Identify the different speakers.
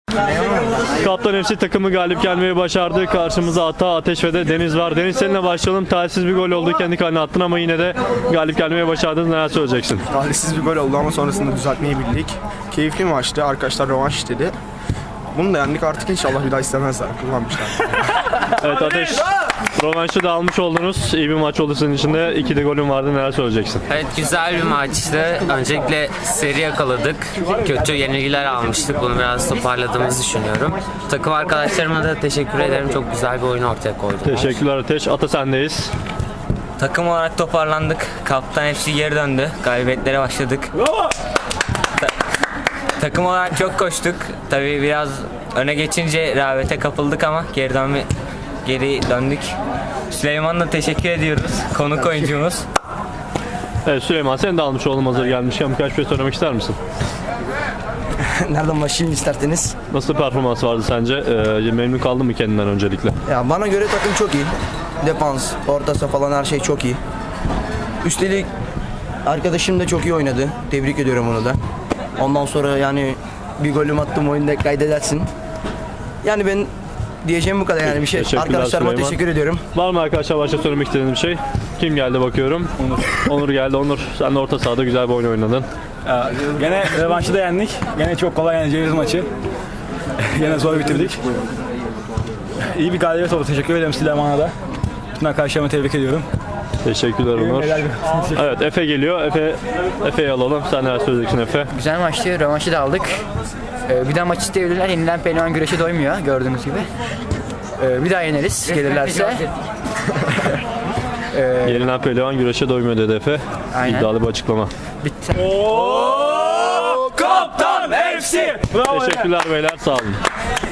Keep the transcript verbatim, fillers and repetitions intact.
Speaker 1: Kaptan F C takımı galip gelmeyi başardı. Karşımızda Ata, Ateş ve de Deniz var. Deniz, seninle başlayalım. Talihsiz bir gol oldu. Kendi kalene attın ama yine de galip gelmeyi başardınız. Neler söyleyeceksin?
Speaker 2: Talihsiz bir gol oldu ama sonrasında düzeltmeyi bildik. Keyifli maçtı. Arkadaşlar rövanş istedi. Bunu da yendik, artık inşallah bir daha istemezler. Kullanmışlar.
Speaker 1: Evet Ateş, rövanşı da almış oldunuz. İyi bir maç oldu senin için de. İki de golün vardı. Neler söyleyeceksin?
Speaker 3: Evet, güzel bir maçtı. Öncelikle seri yakaladık. Kötü yenilgiler almıştık. Bunu biraz toparladığımızı düşünüyorum. Takım arkadaşlarıma da teşekkür ederim. Çok güzel bir oyun ortaya koydular.
Speaker 1: Teşekkürler Ateş. Ata, sendeyiz.
Speaker 4: Takım olarak toparlandık. Kaptan hepsi geri döndü. Galibiyetlere başladık. Ta- takım olarak çok koştuk. Tabii biraz öne geçince rehavete kapıldık ama geri dönme geri döndük. Süleyman'a teşekkür ediyoruz. Konuk oyuncumuz.
Speaker 1: Evet Süleyman, sen de almış oldun hazır gelmişken. Birkaç şey söylemek ister misin?
Speaker 5: Nereden başlayayım isterseniz?
Speaker 1: Nasıl bir performans vardı sence? Ee, memnun kaldın mı kendinden öncelikle?
Speaker 5: Ya bana göre takım çok iyi. Defans, orta saha falan her şey çok iyi. Üstelik arkadaşım da çok iyi oynadı. Tebrik ediyorum onu da. Ondan sonra yani bir golüm attım, oyunda kaydedersin. Yani ben diyeceğim bu kadar, yani bir şey.
Speaker 1: Teşekkürler
Speaker 5: Arkadaşlarıma
Speaker 1: Süleyman.
Speaker 5: teşekkür ediyorum.
Speaker 1: Var mı arkadaşlar başka söylemek istediğiniz bir şey? Kim geldi bakıyorum? Onur. Onur geldi. Onur, sen de orta sahada güzel bir oyun oynadın.
Speaker 6: Ya, gene revanşı da yendik. Gene çok kolay yeneceğimiz maçı. Gene zor bitirdik. İyi bir galibiyet oldu. Teşekkür ederim Süleyman'a da. Bütün arkadaşlarımı tebrik ediyorum.
Speaker 1: Teşekkürler Onur. Evet Efe geliyor. Efe Efe'yi alalım. Sen neler söyleyeceksin Efe?
Speaker 7: Güzel maçtı, rövanşı da aldık. Ee, bir daha maç isteyebilirler. Yenilen pehlivan güreşe doymuyor gördüğünüz gibi. Ee, bir daha yeneriz gelirlerse.
Speaker 1: Yenilen pehlivan güreşe doymuyor dedi Efe.
Speaker 7: Aynen.
Speaker 1: İddialı bir açıklama.
Speaker 7: Bitti.
Speaker 6: Kaptan F C! Bravo.
Speaker 1: Teşekkürler beyler, sağ olun.